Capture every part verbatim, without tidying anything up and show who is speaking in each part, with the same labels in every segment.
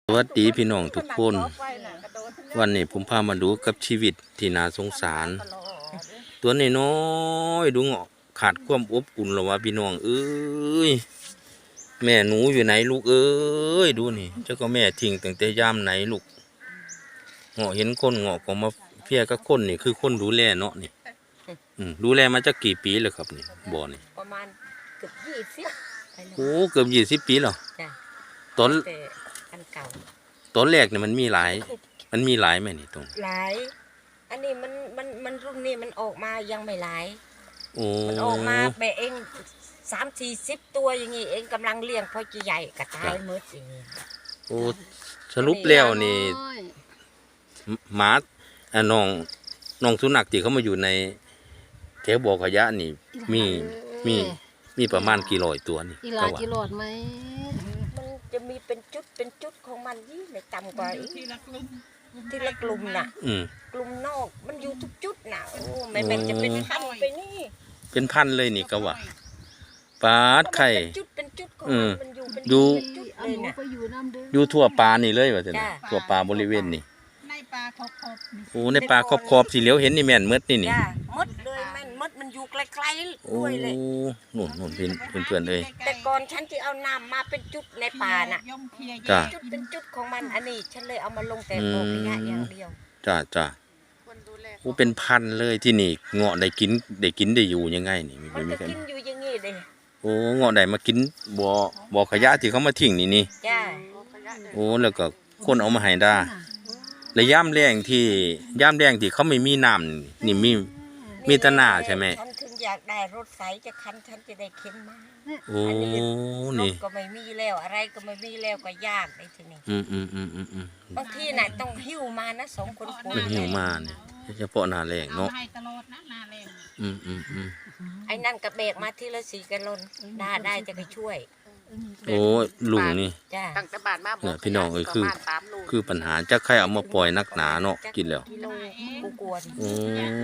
Speaker 1: สวัสดีพี่น้องทุกคนวันนี้ผมพามาดูกับชีวิตที่น่าสงสารตัวน้อยๆดูเงาะขาดความอบอุ่นหรอวะพี่น้องเอ้ยแม่หนูอยู่ไหนลูกเอ้ยดูนี่เจ้าก็แม่ทิ้งตั้งแต่ยามไหนลูกเงาะเห็นคนเงาะก็มาเพียกับคนนี่คือคนดูแลเนาะนี่ดูแลมาจะกี่ปีแล้วครับนี่บ่อนี่
Speaker 2: ประมาณเกือบยี่สิบ
Speaker 1: โอ้เกือบยี่สิบปีแล้วตอน
Speaker 2: อันเก่า
Speaker 1: ตอนแรกเนี่ยมันมีหลายมันมีหลายไหมนี่ตรง
Speaker 2: หลายอันนี้มันมันมันรุ่นนี้มันออกมายังไม่หลาย
Speaker 1: โอ้
Speaker 2: มันออกมาแบบเองสามสี่สิบตัวอย่างงี้เองกำลังเลี้ยงพอจะใหญ่กระตายหมดอย่างงี้
Speaker 1: โอ้สรุปแล้วนี่หมาอ่ะน้องน้องสุนัขที่เขามาอยู่ในแถวบ่อขยะนี่มีมีมีประมาณกี่ร้อยตัวนี่
Speaker 3: กี่ร้อยกี่ร้อยไหม
Speaker 2: มันจะมีเป็นจุดเป็นจุดของมันยี่ไม่ต่ำกว่าทีละกลุ่มทีละกลุ่มน่ะกลุ่มนอกมันอยู่ทุกจุดน่ะโอ้ไม่เป็นจะเป็นพันไปนี่
Speaker 1: เป็นพันเลยนี่ก็ว่าปลาไข่
Speaker 2: จุดเป็นจุดของมันอยู่เป็น
Speaker 1: อยู่
Speaker 2: จุดเลยน่ะ
Speaker 1: อยู่ทั่วปลานี่เลยว่าแต่ทั่วปลาบริเวณนี่
Speaker 3: ในปลาขอบขอบ
Speaker 1: โอ้ในปลาขอบขอบสีเหลียวเห็นนี่แม่นมดนี่นี่
Speaker 2: มดเลยแม่นมดมันอยู่ไกลๆด้วยเลย
Speaker 1: โอ้หนุนหนุนเพื่อนเพื่อนเลย
Speaker 2: แต่ก่อนฉันที่เอาน้ำมาเป็นจุดในป่าน่ะ
Speaker 1: จ้า
Speaker 2: จุดเป็นจุดของมันอันนี้ฉันเลยเอามาลงแต่บ่อขยะอย่างเดียว
Speaker 1: จ้าจ้าโอ้เป็นพันเลยที่นี่เงาะได้กินได้กินได้อยู่ยังไงนี่
Speaker 2: มันจะกินอยู่อย่างงี้เลย
Speaker 1: โอ้เงาะได้มากินบ่อบ่อขยะที่เขามาทิ้งนี่นี่
Speaker 2: จ้า
Speaker 1: โอ้แล้วก็คนเอามาให้ได้และย่ามแรงที่ย่ามแรงที่เขาไม่มีน้ำนี่มีมีตะหน้าใช่ไหม
Speaker 2: ฉันถึงอยากได้รถไฟจะคันฉันจะได้เข็นมา
Speaker 1: โอ้นี่
Speaker 2: ก็ไม่มีแล้วอะไรก็ไม่มีแล้วก็ยากในที่นี้
Speaker 1: อืมอืมอืมอืมอืม
Speaker 2: บางทีน่ะต้องหิ้วมานะสองคน
Speaker 1: คนหิ้วมาเนี่ยเฉพาะหน้าแรงเนาะอืมอืมอืม
Speaker 2: ไอ้นั่นกระเบกมาทีละสี่กันลนได้ได้จะไปช่วย
Speaker 1: โอ้ลุงนี่
Speaker 2: ตั้งแต่บาทมา
Speaker 1: เนี่ยพี่น้องเอ้ยคือคือปัญหาจะใครเอามาปล่อยนักหนาเนาะกินแล้วโอ้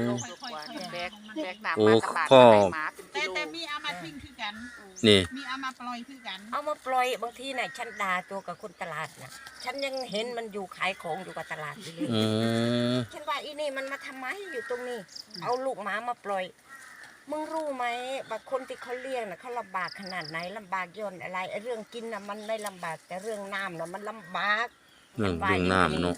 Speaker 1: โอ้พ่อ
Speaker 3: แต่แต่มีเอามาทิ้งคือกัน
Speaker 1: นี่
Speaker 3: มีเอามาปล่อยคือกัน
Speaker 2: เอามาปล่อยบางทีน่ะฉันด่าตัวกับคนตลาดน่ะฉันยังเห็นมันอยู่ขายของอยู่กับตลาดอยู่เลยฉันว่าอีนี่มันมาทำไมอยู่ตรงนี้เอาลูกหมามาปล่อยมึงรู้ไหมบางคนที่เขาเลี้ยงน่ะเขาลำบากขนาดไหนลำบากย่นอะไรไอ้เรื่องกินน่ะมันไม่ลำบากแต่เรื่องน้ำน่ะมันลำบาก
Speaker 1: เรื่องเรื่องน้ำเนาะ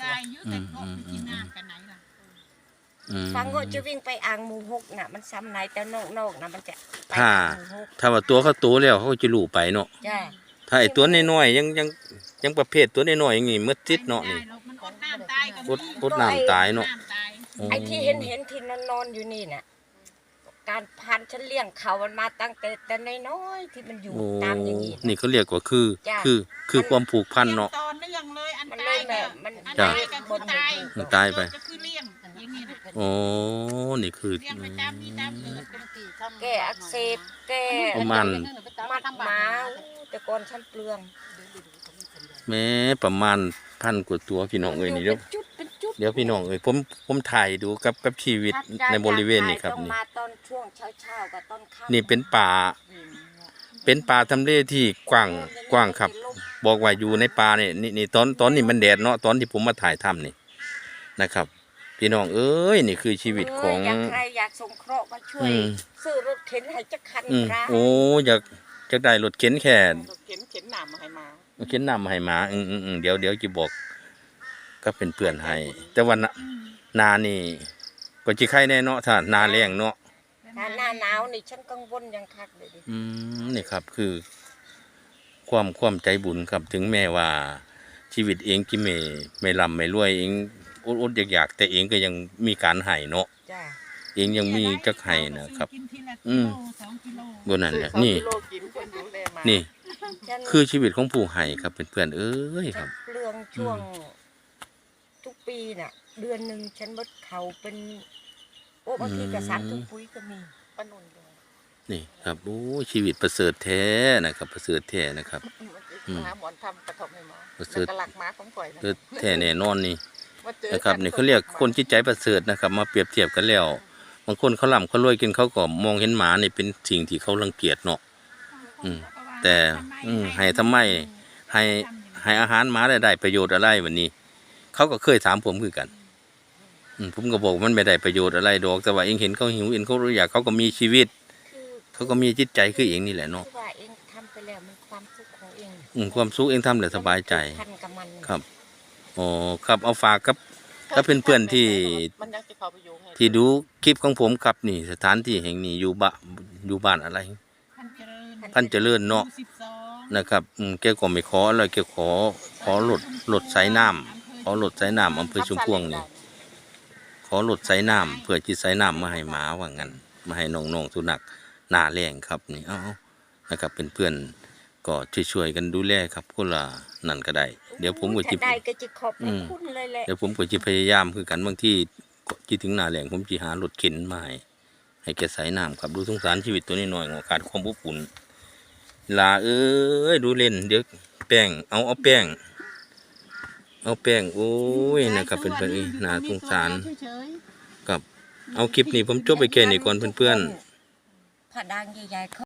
Speaker 2: ฟังก็จะวิ่งไปอ่างหมูหกน่ะมันซ้ำไหนแต่นอกนอกน่ะมันจะ
Speaker 1: ถ้าถ้าว่าตัวเขาโตแล้วเขาจะลู่ไปเนาะถ้าไอ้ตัวน้อยๆยังยังยังประเภทตัวน้อยๆอย่างงี้มืดจิตเนาะนี่พดพดน้ำตายเนาะ
Speaker 2: ไอ้ที่เห็นเห็นที่นอนนอนอยู่นี่น่ะการพันฉันเลี้ยงเขามันมาตั้งแต่แต่น้อยๆที่มันอยู่ตามอย่างนี้
Speaker 1: นี่เขาเรียกว่าคือคือคือความผูกพันเนาะ
Speaker 3: ตอนนี้ยังเลยอัน
Speaker 2: มัน
Speaker 3: ตาย
Speaker 2: แบบมัน
Speaker 1: ตาย
Speaker 2: บนตาย
Speaker 1: มันตายไปโอ้นี่คือ
Speaker 2: แก้อักเสบแก้
Speaker 1: มัน
Speaker 2: มัดหมาแต่ก่อนฉันเปลือง
Speaker 1: แม้ประมาณพันกว่าตัวพี่น้องเอ้ยนี่เดี๋ยวเดี๋ยวพี่น้องเอ้ยผมผมถ่ายดูกับกับชีวิตในบริเวณนี้ครับนี่นี่เป็นป่าเป็นป่าทำเลที่กว้างกว้างครับบอกว่าอยู่ในป่าเนี่ยนี่นี่ตอนตอนนี้มันแดดเนาะตอนที่ผมมาถ่ายทำนี่นะครับพี่น้องเอ้ยนี่คือชีวิตของ
Speaker 2: ใครอยากส่งเคราะห์มาช่วยซื้อรถเข็นให้จักคัน
Speaker 1: โอ้อยากจะได้รถเข็นแค่
Speaker 2: เข็นเข็นน้ำมาให้มา
Speaker 1: เข็นน้ำมาให้มาอืมอืมเดี๋ยวเดี๋ยวจะบอกก็เป็นเพื่อนให้แต่วันนานี่ก็จะใครแน่เนาะถ้านาแรงเนาะ
Speaker 2: ถ้าหน้าหนาวนี่ฉันกังวลยังคักเลยดิ
Speaker 1: อืมนี่ครับคือความความใจบุญครับถึงแม้ว่าชีวิตเองที่ไม่ไม่ร่ำไม่รวยเองอดๆอยากๆแต่เองก็ยังมีการให้เนาะเองยังมีจักให้นะครับอืมบนนั้นแหละนี่นี่คือชีวิตของผู้ให้ครับเป็นเพื่อนเอ้ยครับ
Speaker 2: เรื่องช่วงทุกปีน่ะเดือนหนึ่งฉันมดเขาเป็นโอ้บางทีกระสับทุกปุ๋ยก็มีปนุนเลย
Speaker 1: นี่ครับโอ้ชีวิตประเสริฐแท้นะครับประเสริฐแท้นะครับ
Speaker 2: หาหมอนทำกระทบให้หมอ
Speaker 1: ประเสริฐ
Speaker 2: หลักม้าของข่อย
Speaker 1: แท้แน่นอนนี่นะครับนี่เขาเรียกคนจิตใจประเสริฐนะครับมาเปรียบเทียบกันแล้วบางคนเขาล่ำเขารวยกินเขาก็มองเห็นหมานี่เป็นสิ่งที่เขารังเกียจเนาะอืมแต่อืมให้ทำไมให้ใให้อาหารหมาได้ได้ประโยชน์อะไรวันนี้ เขาก็เคยถามผมคือกันอืมผมก็บอกมันไม่ได้ประโยชน์อะไรดอกแต่ว่าเองเห็นเขาหิวเองเขาอยากเขาก็มีชีวิต
Speaker 2: คือ
Speaker 1: เขาก็มีจิตใจคือเองนี่แหละเนาะ
Speaker 2: คือว่าเองทำไปแล้วมันความสุขของเอง
Speaker 1: อืมความสุขเองทำแล้วสบายใจ
Speaker 2: พันกับมัน
Speaker 1: ครับอ๋อครับเอาฝากครับถ้าเป็นเพื่อนที่
Speaker 4: มันยังจะเข้าไปอยู่ให้
Speaker 1: ที่ดูคลิปของผมครับนี่สถานที่แห่งนี้อยู่บ้านอยู่บ้านอะไร
Speaker 3: พันเจริญ
Speaker 1: พันเจริญเนาะ
Speaker 3: หมู่สิบสอง
Speaker 1: นะครับอืมแกก็ไม่ขออะไรแกขอขอหลดหลดสายน้ำขอหลดสายน้ำอำเภอชุมพวงนี่ขอหลดสายน้ำเพื่อจิตสายน้ำมาให้หมาว่างั้นมาให้น้องๆสุนัขหน้าแรงครับนี่เอาๆนะครับเป็นเพื่อนก็ช่วยๆกันดูแลครับคนละนั่นก็ได้ เดี๋ยวผมก็จิ
Speaker 2: ถ้าได้ก็จะขอบพ
Speaker 1: อื
Speaker 2: ระ
Speaker 1: ม
Speaker 2: คุณเลยแหละ
Speaker 1: เดี๋ยวผมก็จะพยายามคือกันบางที่ที่ถึงหน้าแหล่งผมจะหารถเข็นมาให้ให้แกใส่น้ำครับดูสงสารชีวิตตัวนี้หน่อยๆขาดความอบอุ่นลาเอ้ยดูเล่นเดี๋ยวแป้งเอาเอาแป้งเอาแป้งโอ้ยนะครับเป็นเพื่อนๆเอ้ยน่าสงสาร
Speaker 3: เฉย
Speaker 1: ครับเอาคลิปนี้ผมจบไปแค่นี้ก่อนเพื่อนๆ
Speaker 2: ผ้าด่างใหญ่ๆเค